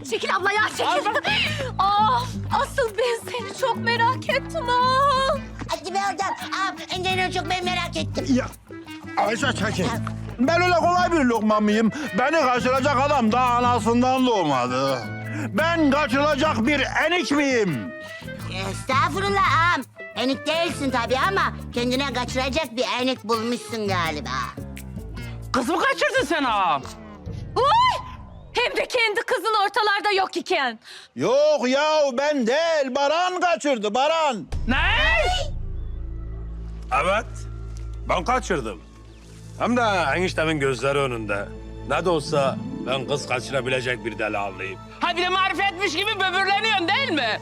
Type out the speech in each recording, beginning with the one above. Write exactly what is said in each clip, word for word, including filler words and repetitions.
Çekil abla ya, çekil. Aa, asıl ben seni çok merak ettim ha. Hadi be oradan. Aa, en çok ben merak ettim. Ya Ayşe çekil. Ben öyle kolay bir lokma mıyım? Beni kaçıracak adam da anasından doğmadı. Ben kaçırılacak bir enik miyim? Estağfurullah ağam. Enik değilsin tabii ama kendine kaçıracak bir enik bulmuşsun galiba. Kız mı kaçırdın sen ağam? Uy! Hem de kendi kızın ortalarda yok iken. Yok ya ben değil, Baran kaçırdı, Baran. Ne? Evet, ben kaçırdım. Hem de eniştemin gözleri önünde. Ne de olsa ben kız kaçırabilecek bir delallıyım. Ha bir de marifetmiş gibi böbürleniyorsun değil mi?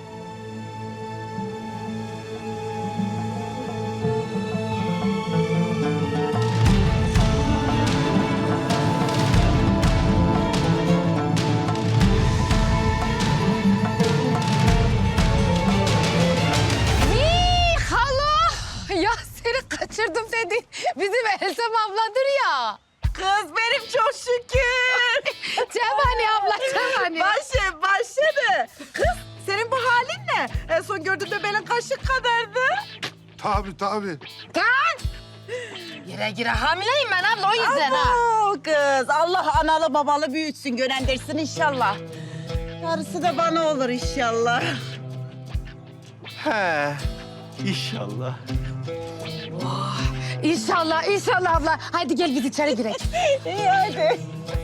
Hii, hala. Ya seni kaçırdım dedi. Bizim Elsem abladır ya. Kız benim çok şükür. Cevani abla, Cevani. Başı, başladı. Kız senin bu halin ne? En son gördüğümde belin kaşık kadardı. Tabii tabii. Gire gire hamileyim ben abla, o yüzden ha. Oo kız Allah analı babalı büyütsün, göndersin inşallah. Yarısı da bana olur inşallah. He, inşallah. İnşallah, inşallah abla. Hadi gel biz içeri girelim. İyi hadi.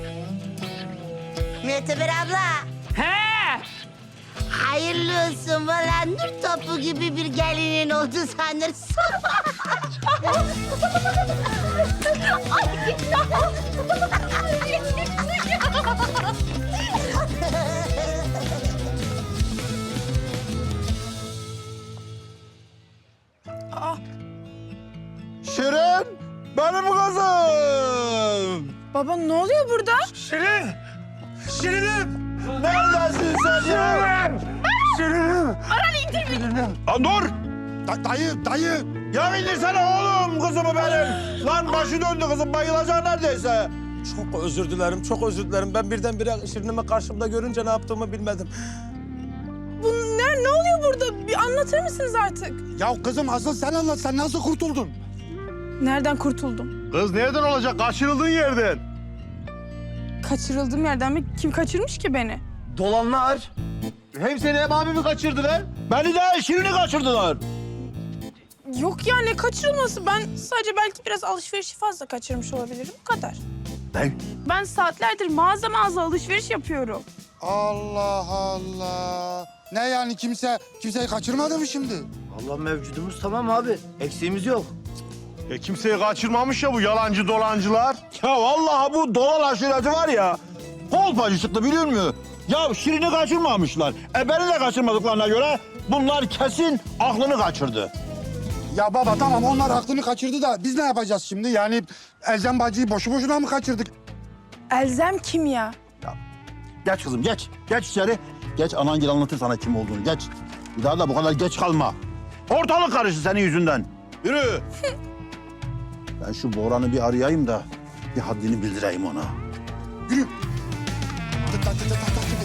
Müteber abla. He! Hayırlı olsun. Valla nur topu gibi bir gelinin oldu sanırsın. Şirin, benim kızım. Baba ne oluyor burada? Şirin, Şirinim. Neredesin sen ya? Şirinim. Baran indir beni. Lan dur. Da- dayı, dayı. Ya indirsene oğlum kızımı benim. Lan başı döndü kızım, bayılacak neredeyse. Çok özür dilerim, çok özür dilerim. Ben birdenbire Şirin'imi karşımda görünce ne yaptığımı bilmedim. Ne, ne oluyor burada? Bir anlatır mısınız artık? Ya kızım asıl sen anlat, sen nasıl kurtuldun? Nereden kurtuldum? Kız nereden olacak? Kaçırıldığın yerden. Kaçırıldığım yerden mi? Kim kaçırmış ki beni? Dolanlar. Hem seni hem abimi kaçırdılar. Beni de Şirin'i kaçırdılar. Yok ya, ne kaçırılması? Ben sadece belki biraz alışverişi fazla kaçırmış olabilirim, bu kadar. Ne? Ben saatlerdir mağaza mağaza alışveriş yapıyorum. Allah Allah. Ne yani kimse kimseyi kaçırmadı mı şimdi? Allah mevcudumuz tamam abi. Eksiğimiz yok. E kimseyi kaçırmamış ya bu yalancı dolancılar. Ya vallahi bu dolan aşireti var ya, kolpacı çıktı biliyor musun? Ya Şirin'i kaçırmamışlar. E beni de kaçırmadıklarına göre bunlar kesin aklını kaçırdı. Ya baba tamam onlar aklını kaçırdı da biz ne yapacağız şimdi? Yani Elzem bacıyı boşu boşuna mı kaçırdık? Elzem kim ya? Geç kızım geç. Geç içeri. Geç anan gel anlatır sana kim olduğunu. Geç. Bir daha da bu kadar geç kalma. Ortalık karıştı senin yüzünden. Yürü. Ben şu Boran'ı bir arayayım da bir haddini bildireyim ona. Yürü. Tık tık tık tık tık tık.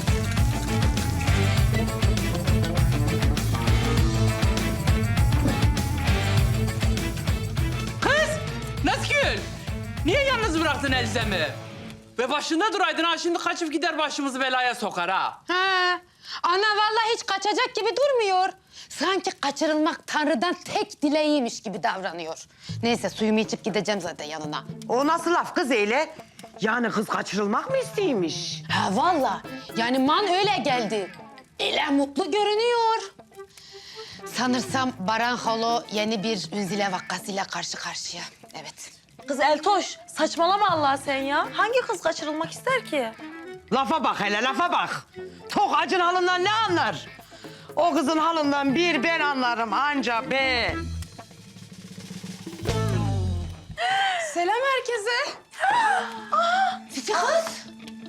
Kız! Nazgül! Niye yalnız bıraktın Elzem'i? Ve başında duraydın ha, şimdi kaçıp gider başımızı belaya sokar ha. Ha, ana vallahi hiç kaçacak gibi durmuyor. Sanki kaçırılmak Tanrı'dan tek dileğiymiş gibi davranıyor. Neyse suyumu içip gideceğim zaten yanına. O nasıl laf kız öyle? Yani kız kaçırılmak mı isteymiş? Ha vallahi yani man öyle geldi. Öyle mutlu görünüyor. Sanırsam Baran Halo yeni bir Ünzile vakasıyla karşı karşıya. Evet. Kız Eltoş, saçmalama Allah sen ya. Hangi kız kaçırılmak ister ki? Lafa bak hele lafa bak. Tok acın halından ne anlar? O kızın halından bir ben anlarım anca ben. Selam herkese. Cici kız.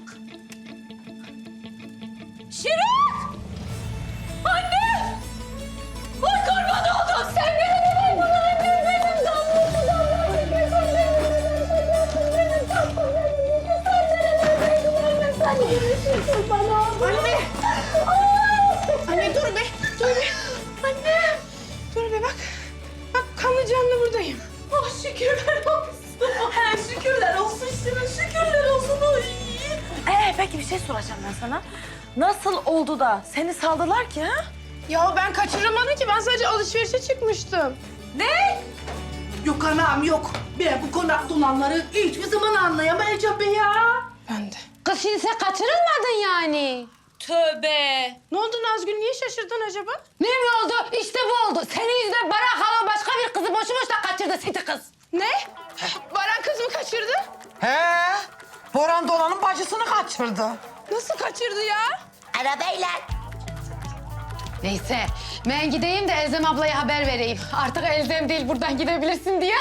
Şirin! Anne! Ay kurban oldum sen benim oğlum annem benim damlası damlası güzelim benim tatlım benim güzelim benim sen görüşürsün bana Anne! Anne dur be, dur be. Anne! Dur be bak. Bak kanlı canlı buradayım. Oh şükürler olsun. He şükürler olsun şimdi, şükürler olsun. Ay. Ee, peki bir şey soracağım ben sana. Nasıl oldu da seni saldılar ki ha? Ya ben kaçırılmadım ki, ben sadece alışverişe çıkmıştım. Ne? Yok anam yok. Ben bu konakta olanları hiçbir zaman anlayamayacağım be ya. Ben de. Kız şimdi sen kaçırılmadın yani. Tövbe. Ne oldu Nazgül, niye şaşırdın acaba? Ne mi oldu? İşte bu oldu. Senin yüzünden Baran hala başka bir kızı boşu boşuna kaçırdı siti kız. Ne? Baran kız mı kaçırdı? He? Boran Dolan'ın bacısını kaçırdı. Nasıl kaçırdı ya? Arabayla. Neyse ben gideyim de Elzem ablaya haber vereyim. Artık Elzem değil buradan gidebilirsin diye.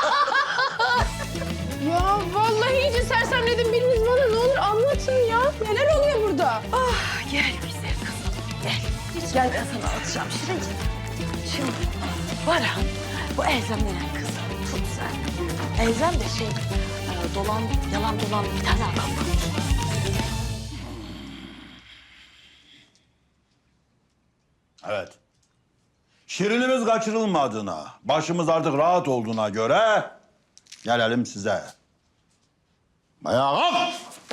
Ya vallahi iyice sersemledim, biriniz bana ne olur anlatın ya. Neler oluyor burada? Ah, gel güzel kızım, gel. Gel ben sana atacağım Şirincik. Şimdi Baran, bu Elzem denen kızı tut sen. Elzem de şey, e, dolan, yalan dolan bir tane adam var. Evet. Şirinimiz kaçırılmadığına, başımız artık rahat olduğuna göre gelelim size. Ayağa kalk!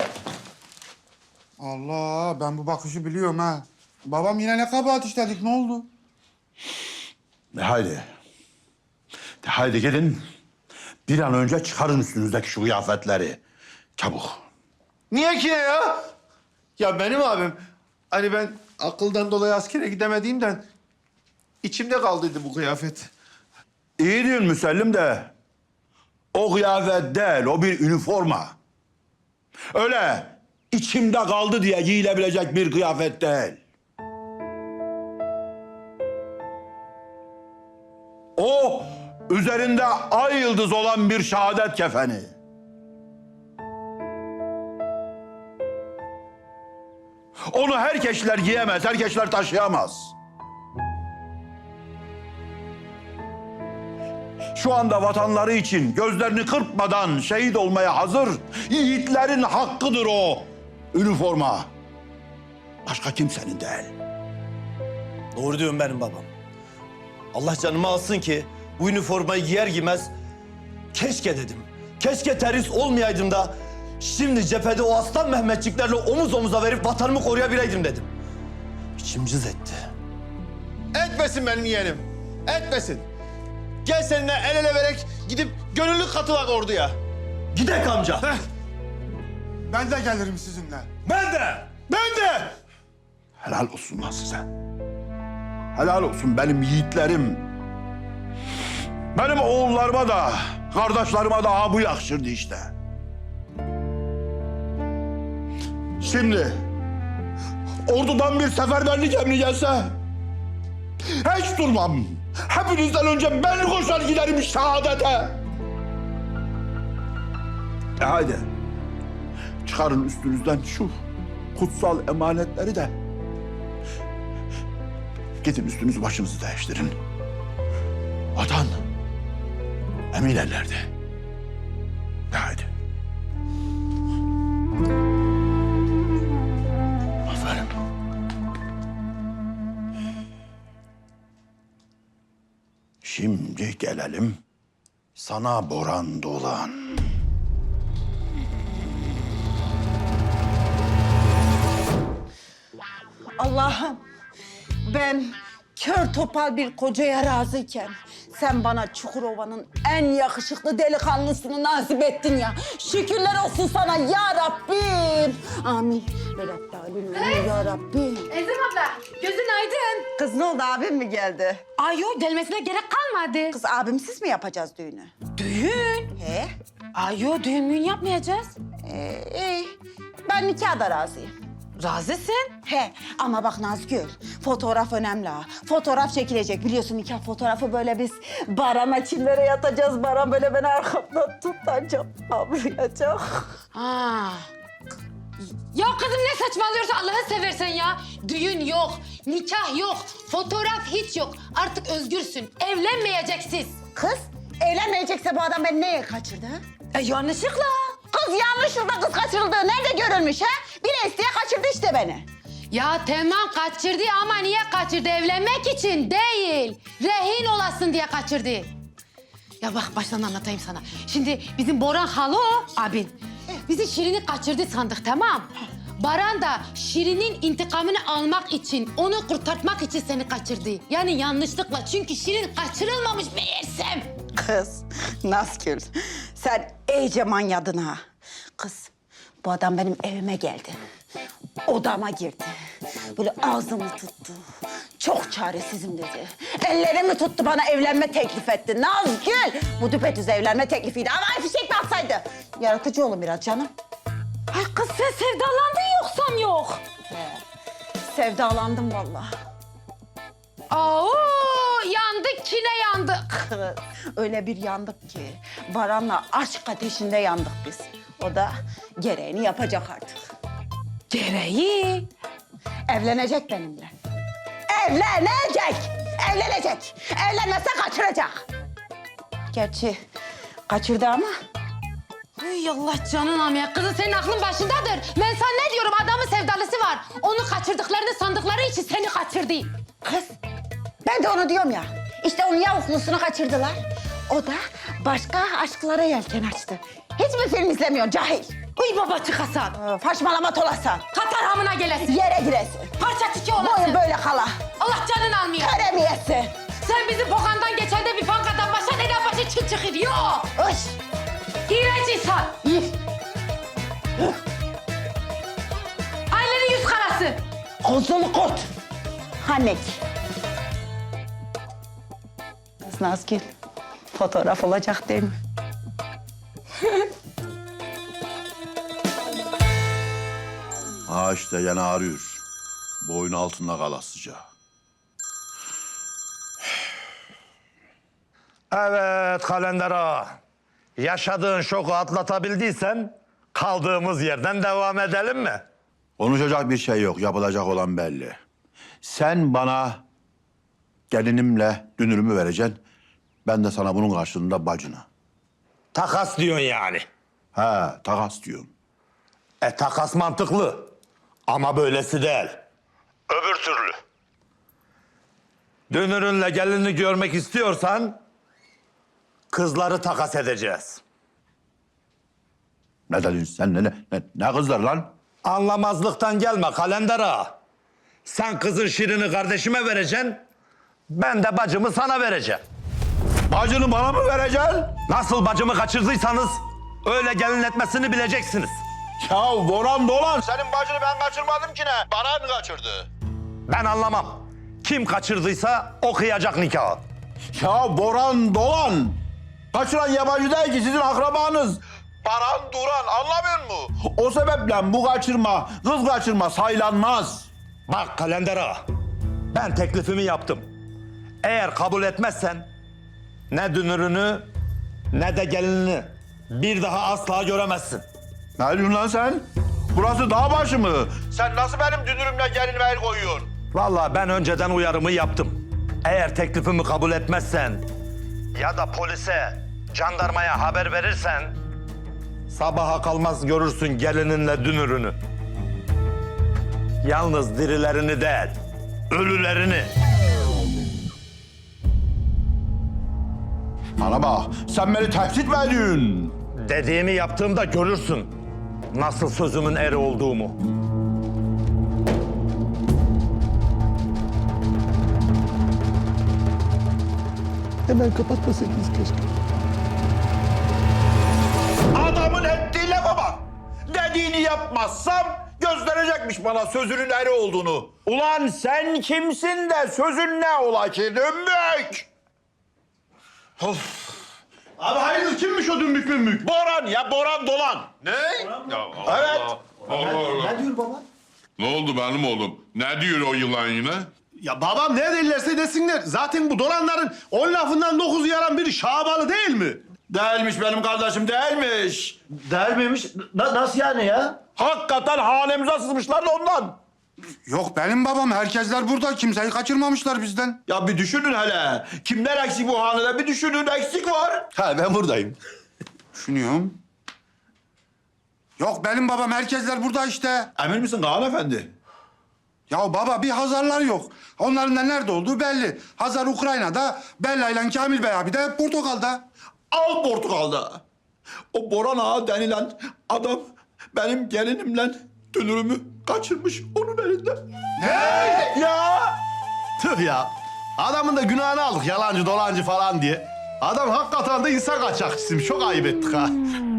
Allah, ben bu bakışı biliyorum ha. Babam yine ne kabahat işledik, ne oldu? De haydi. De haydi gidin. Bir an önce çıkarın üstünüzdeki şu kıyafetleri. Çabuk. Niye ki ya? Ya benim abim, hani ben akıldan dolayı askere gidemediğimden içimde kaldıydı bu kıyafet. İyi diyorsun Müsellim de. O kıyafet değil, o bir üniforma. Öyle içimde kaldı diye giyilebilecek bir kıyafet değil. O üzerinde ay yıldız olan bir şehadet kefeni. Onu herkesler giyemez, herkesler taşıyamaz. Şu anda vatanları için gözlerini kırpmadan şehit olmaya hazır yiğitlerin hakkıdır o üniforma. Başka kimsenin değil. Doğru diyorum benim babam. Allah canımı alsın ki bu üniformayı giyer giymez keşke dedim. Keşke terörist olmayaydım da şimdi cephede o aslan Mehmetçiklerle omuz omuza verip vatanımı koruyabileydim dedim. İçim cız etti. Etmesin benim yeğenim. Etmesin. Gel seninle el ele vererek gidip gönüllü katılak orduya. Gidek amca. Ben de gelirim sizinle. Ben de, ben de. Helal olsun lan size. Helal olsun benim yiğitlerim. Benim oğullarıma da, kardeşlerime de ha bu yakışırdı işte. Şimdi ordudan bir seferberlik emri gelse hiç durmam. Hepinizden önce ben koşar giderim şehadete. E haydi. Çıkarın üstünüzden şu kutsal emanetleri de. Gidin üstünüzü başınızı değiştirin. Vatan emin ellerde. De haydi. Aferin. Şimdi gelelim sana Boran Dolan. Allah'ım, ben kör topal bir kocaya razıyken sen bana Çukurova'nın en yakışıklı delikanlısını nasip ettin ya. Şükürler olsun sana ya Rabbim. Amin. Hey. Ya Rabbim. Elzem abla gözün aydın. Kız ne oldu, abim mi geldi? Ay yok gelmesine gerek kalmadı. Kız abimsiz mi yapacağız düğünü? Düğün. He? Ay yok düğün müğün yapmayacağız. Ee, iyi. Ben nikah da razıyım. Razısın. He ama bak Nazgül, fotoğraf önemli ha. Fotoğraf çekilecek, biliyorsun nikah fotoğrafı böyle biz Baran'a çimlere yatacağız. Baran böyle beni arkamdan tutacak, avlayacak. Ha. Ya kızım ne saçmalıyorsun Allah'ını seversen ya. Düğün yok, nikah yok, fotoğraf hiç yok. Artık özgürsün, evlenmeyeceksiniz. Kız, evlenmeyecekse bu adam beni neye kaçırdı? E, yanlışlıkla. Kız yanlışlıkla kız kaçırıldı. Nerede görülmüş ha? Bile isteye kaçırdı işte beni. Ya tamam kaçırdı ama niye kaçırdı? Evlenmek için değil. Rehin olasın diye kaçırdı. Ya bak baştan anlatayım sana. Şimdi bizim Boran Halo abin bizi Şirin'i kaçırdı sandık tamam. Baran da Şirin'in intikamını almak için, onu kurtarmak için seni kaçırdı. Yani yanlışlıkla çünkü Şirin kaçırılmamış meğersem. Kız, Nazgül, sen iyice manyadın ha. Kız, bu adam benim evime geldi. Odama girdi. Böyle ağzımı tuttu. Çok çaresizim dedi. Ellerimi tuttu bana evlenme teklif etti. Nazgül, bu düpedüz evlenme teklifiydi ama fişek mi atsaydı? Yaratıcı olun biraz canım. Ay kız sen sevdalandın yoksam yok. He, sevdalandım vallahi. Oo, yandık kine yandık. Kız, öyle bir yandık ki Baran'la aşk ateşinde yandık biz. O da gereğini yapacak artık. Gereği. Evlenecek benimle. Evlenecek! Evlenecek! Evlenmezse kaçıracak. Gerçi kaçırdı ama. Ay Allah canın ya. Kızım senin aklın başındadır. Ben sana ne diyorum adamın sevdalısı var. Onu kaçırdıklarını sandıkları için seni kaçırdı. Kız, ben de onu diyorum ya. İşte onun yavuklusunu kaçırdılar. O da başka aşklara yelken açtı. Hiç mi film izlemiyorsun cahil? Uy baba çıkasan. Ee, Faşmalama tolasan. Katar hamına gelesin. Yere giresin. Parça tiki olasın. Boyun böyle kala. Allah canını almıyor. Köremiyesin. Sen bizim pokandan geçende bir bankadan başa neden başı çık çıkır yok. Iş. İğrenç insan. Ailenin yüz karası. Kozulu kurt. Hanek. Kız Nazgül, fotoğraf olacak değil mi? Ha işte yana arıyor. Boyun altında kalasıca. Evet Kalender ağa. Yaşadığın şoku atlatabildiysen kaldığımız yerden devam edelim mi? Konuşacak bir şey yok. Yapılacak olan belli. Sen bana gelinimle dünürümü vereceksin. Ben de sana bunun karşılığında bacını. Takas diyorsun yani. He, takas diyorum. E takas mantıklı. Ama böylesi değil. Öbür türlü. Dünürünle gelinini görmek istiyorsan kızları takas edeceğiz. Ne dedin sen? Ne, ne, ne, ne kızlar lan? Anlamazlıktan gelme Kalender ağa. Sen kızın Şirin'i kardeşime vereceksin. Ben de bacımı sana vereceğim. Bacını bana mı vereceksin? Nasıl bacımı kaçırdıysanız öyle gelin etmesini bileceksiniz. Ya Boran Dolan. Senin bacını ben kaçırmadım ki ne? Baran kaçırdı. Ben anlamam. Kim kaçırdıysa o kıyacak nikahı. Ya Boran Dolan. Kaçıran yabancı değil ki sizin akrabanız. Baran Duran anlamıyor musun? O sebeple bu kaçırma, kız kaçırma saylanmaz. Bak Kalender ağa, ben teklifimi yaptım. Eğer kabul etmezsen ne dünürünü ne de gelinini bir daha asla göremezsin. Ne diyorsun lan sen? Burası dağ başı mı? Sen nasıl benim dünürümle gelinime el koyuyorsun? Vallahi ben önceden uyarımı yaptım. Eğer teklifimi kabul etmezsen ya da polise, jandarmaya haber verirsen sabaha kalmaz görürsün gelininle dünürünü. Yalnız dirilerini değil, ölülerini. Bana bak, sen beni tehdit mi ediyorsun? Dediğimi yaptığımda görürsün nasıl sözümün eri olduğumu. Hemen kapatmasaydınız keşke. Adamın ettiği lafa bak. Dediğini yapmazsam gösterecekmiş bana sözünün eri olduğunu. Ulan sen kimsin de sözün ne ola ki dümbük? Of. Abi hayırdır kimmiş o dümbük dümbük? Boran ya Boran Dolan. Ne? Ya, Evet. Allah Allah. Ne diyor baba? Ne oldu benim oğlum? Ne diyor o yılan yine? Ya babam ne derlerse desinler. Zaten bu dolanların on lafından dokuzu yaran biri Şabalı değil mi? Değilmiş benim kardeşim değilmiş. Değil miymiş? Na- nasıl yani ya? Hakikaten hanemize sızmışlar da ondan. Yok benim babam. Herkesler burada. Kimseyi kaçırmamışlar bizden. Ya bir düşünün hele. Kimler eksik bu hanede bir düşünün eksik var. Ha ben buradayım. Düşünüyorum. Yok benim babam. Herkesler burada işte. Emin misin Kaan Efendi? Ya baba bir Hazarlar yok. Onların da nerede olduğu belli. Hazar Ukrayna'da, Bella ile Kamil Bey abi de Portakal'da. Al Portakal'da. O Boran Ağa denilen adam benim gelinimle dünürümü kaçırmış onun elinde. Ne? Ya! Tüh ya. Adamın da günahını aldık yalancı dolancı falan diye. Adam hakikaten de insan kaçakçısıymış. Çok ayıp ettik ha.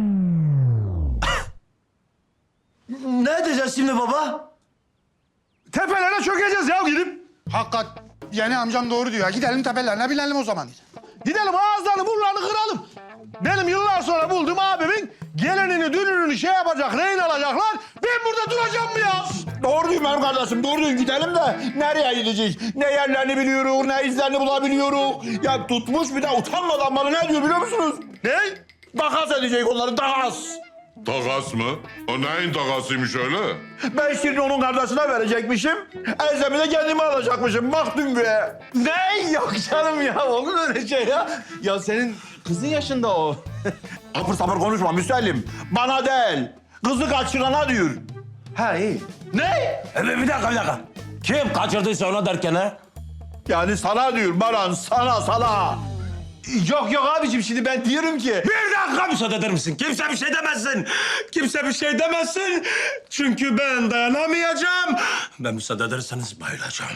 Ne edeceğiz şimdi baba? Tepelere çökeceğiz ya gidip. Hakikat yeni amcam doğru diyor. Gidelim tepelerine binelim o zaman. Gidelim ağızlarını burlarını kıralım. Benim yıllar sonra bulduğum abimin gelinini dünürünü şey yapacak, rehin alacaklar. Ben burada duracağım mı ya? Doğru diyorsun benim kardeşim, doğru diyorsun. Gidelim de nereye gideceğiz? Ne yerlerini biliyoruz, ne izlerini bulabiliyoruz. Ya tutmuş bir de utanmadan bana ne diyor biliyor musunuz? Ne? Takas edecek onları, takas. Takas mı? O neyin takasıymış öyle? Ben şimdi onun kardeşine verecekmişim. Elzem'i de kendime alacakmışım. Bak Düngü'ye. Ne? Yok canım ya. Olur öyle şey ya. Ya senin kızın yaşında o. Apır sapır konuşma Müsellim. Bana değil. Kızı kaçırana diyor. Ha iyi. Ne? Evet bir dakika bir dakika. Kim kaçırdıysa ona derken ha? Yani sana diyor Baran, sana, sana. Yok yok abicim şimdi ben diyorum ki. Bir dakika müsaade eder misin? Kimse bir şey demezsin. Kimse bir şey demezsin. Çünkü ben dayanamayacağım. Ben müsaade ederseniz bayılacağım.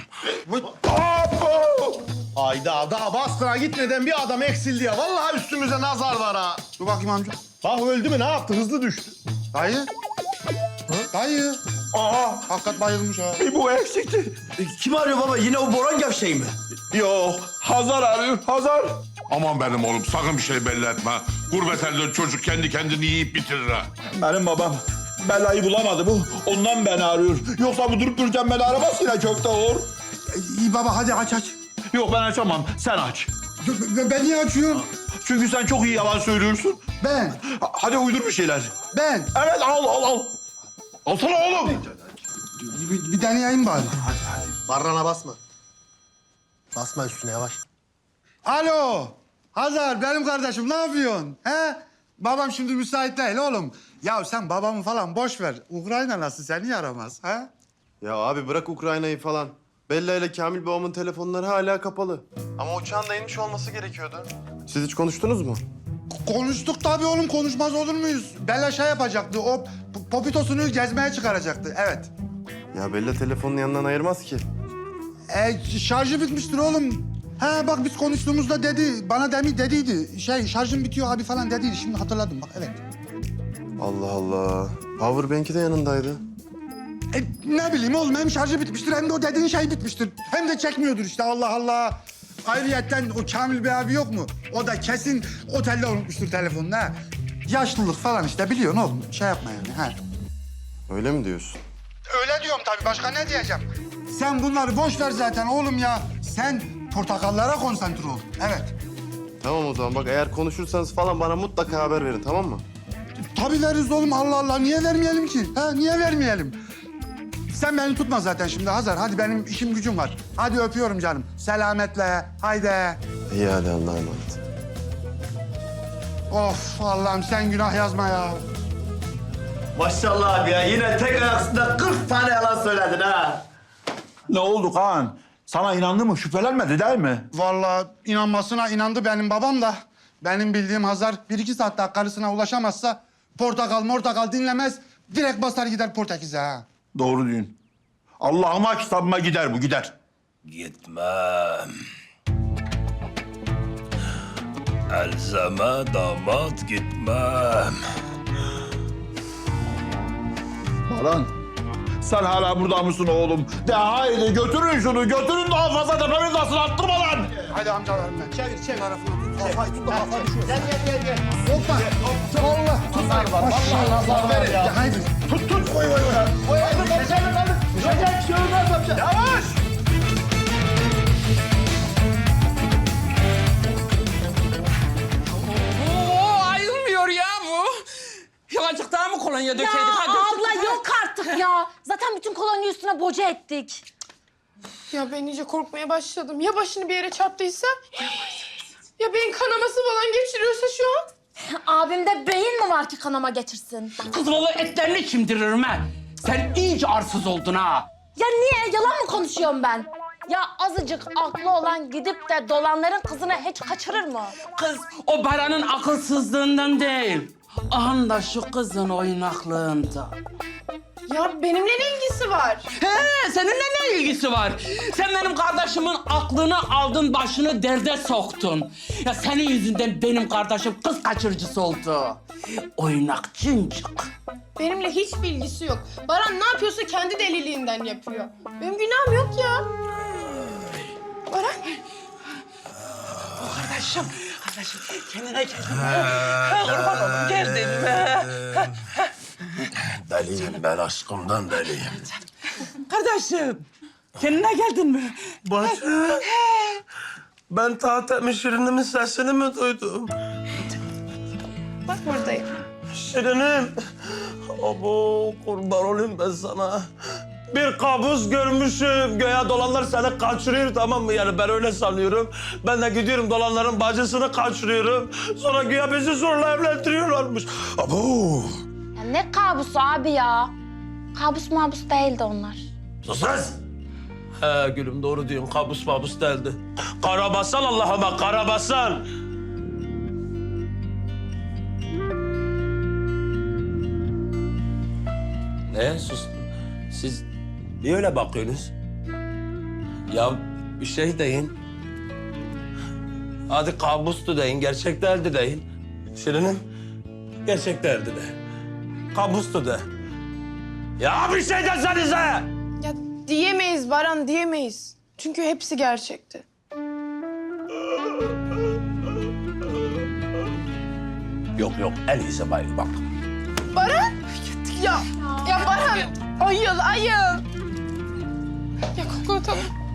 Hayda daha bastıra gitmeden bir adam eksildi ya. Vallahi üstümüze nazar var ha. Dur bakayım amca. Bak öldü mü ne yaptı? Hızlı düştü. Dayı. Dayı. Aa, Hakikat bayılmış ha. bir bu eksikti. Kim arıyor baba? Yine o Boran gevşeği mi? Yok, Hazar arıyor, Hazar. Aman benim oğlum sakın bir şey belli etme. Gurbet elde çocuk kendi kendini yiyip bitirir ha. Benim babam Bella'yı bulamadı bu. Ondan beni arıyor. Yoksa bu durup dururken beni aramaz yine köfte olur. İyi baba hadi aç aç. Yok ben açamam, sen aç. Ben, ben niye açıyorum? Çünkü sen çok iyi yalan söylüyorsun. Ben. Ha- Hadi uydur bir şeyler. Ben. Evet al al al. Alsana oğlum. Bir, bir deneyeyim bari. Barrana basma. Basma üstüne yavaş. Alo. Hazar benim kardeşim ne yapıyorsun? He? Babam şimdi müsait değil oğlum. Ya sen babamı falan boş ver. Ukrayna nasıl seni yaramaz ha? Ya abi bırak Ukrayna'yı falan. Bella ile Kamil babamın telefonları hala kapalı. Ama uçağın da inmiş olması gerekiyordu. Siz hiç konuştunuz mu? Konuştuk tabii oğlum konuşmaz olur muyuz? Bella şey yapacaktı o p- popitosunu gezmeye çıkaracaktı evet. Ya Bella telefonun yanından ayırmaz ki. E, şarjı bitmiştir oğlum. He bak biz konuştuğumuzda dedi bana demi dediydi. Şey şarjım bitiyor abi falan dediydi şimdi hatırladım bak evet. Allah Allah. Powerbank'i de yanındaydı. E, ne bileyim oğlum hem şarjı bitmiştir hem de o dediğin şey bitmiştir. Hem de çekmiyordur işte Allah Allah. Ayrıyetten o Kamil Bey abi yok mu? O da kesin otelde unutmuştur telefonunu ha. Yaşlılık falan işte biliyorsun oğlum. Şey yapma yani ha. Öyle mi diyorsun? Öyle diyorum tabii başka ne diyeceğim? Sen bunları boş ver zaten oğlum ya. Sen portakallara konsantre ol. Evet. Tamam o zaman bak eğer konuşursanız falan bana mutlaka haber verin tamam mı? Tabii veririz oğlum Allah Allah. Niye vermeyelim ki? Ha niye vermeyelim? Sen beni tutma zaten şimdi Hazar. Hadi benim işim gücüm var. Hadi öpüyorum canım. Selametle. Haydi. İyi hadi Allah'a emanet. Of Allah'ım sen günah yazma ya. Maşallah abi ya. Yine tek ayak üstünde kırk tane yalan söyledin ha. Ne oldu Kaan? Sana inandı mı? Şüphelenmedi değil mi? Vallahi inanmasına inandı benim babam da. Benim bildiğim Hazar bir iki saatte karısına ulaşamazsa portakal mortakal dinlemez. Direkt basar gider Portekiz'e ha. Doğru diyorsun. Allah'ıma kitabıma gider bu gider. Gitmem. Elzeme damat gitmem. Baran, sen hala burada mısın oğlum? De haydi götürün şunu, götürün daha fazla tepemiz nasıl attırmadan. Hadi amcalarım ben. Çevir çevir. Tarafını tut. Kafayı tut da kafa düşüyor. Gel gel gel gel. Hoppa. Allah. Tut. Maşallah var ya. Haydi. Tut tut. Oy oy oy. Oy oy kaldır kaldır. Düşecek şuradan kapça. Yavaş. Oo ayrılmıyor ya bu. Yalancık daha mı kolonya dökeydik? Ya Ha, döktük, abla ha. yok artık ya. Zaten bütün kolonyayı üstüne boca ettik. Ya ben iyice korkmaya başladım. Ya başını bir yere çarptıysa? Ya beyin kanaması falan geçiriyorsa şu an? Abimde beyin mi var ki kanama geçirsin? Kız vallahi etlerini çimdiririm ha. Sen iyice arsız oldun ha. Ya niye? Yalan mı konuşuyorum ben? Ya azıcık aklı olan gidip de dolanların kızını hiç kaçırır mı? Kız o Baran'ın akılsızlığından değil. Anda şu kızın oynaklığında. Ya benimle ne ilgisi var? He, seninle ne ilgisi var? Sen benim kardeşimin aklını aldın, başını derde soktun. Ya senin yüzünden benim kardeşim kız kaçırıcısı oldu. Oynak cincik. Benimle hiç bilgisi yok. Baran ne yapıyorsa kendi deliliğinden yapıyor. Benim günahım yok ya. Baran. Kardeşim, kardeşim kendine gel. Ha, kurban olayım geldin mi? Deliyim ben aşkımdan deliyim. Kardeşim, kendine geldin mi? Bacı. Ben Tahtemin Şirinimin sesini mi duydum? Bak buradayım. Şirinim. Abo kurban olayım ben sana. Bir kabus görmüşüm. Göğe dolanlar seni kaçırıyor tamam mı? Yani ben öyle sanıyorum. Ben de gidiyorum dolanların bacısını kaçırıyorum. Sonra güya bizi zorla evlendiriyorlarmış. Abo. Ya ne kabusu abi ya? Kabus mabus değildi onlar. Sus kız. He gülüm doğru diyorsun. Kabus mabus değildi. Karabasan Allah'ıma karabasan. Ne sustun? Siz niye öyle bakıyorsunuz? Ya bir şey deyin. Hadi kabustu deyin, gerçek değildi deyin. Şirinim, gerçek değildi de. Kabustu de. Ya bir şey desenize! Ya diyemeyiz Baran, diyemeyiz. Çünkü hepsi gerçekti. Yok yok, en iyisi bayılmak. Baran! Ya, ya Baran! Ayıl, ayıl! Ya koku atalım.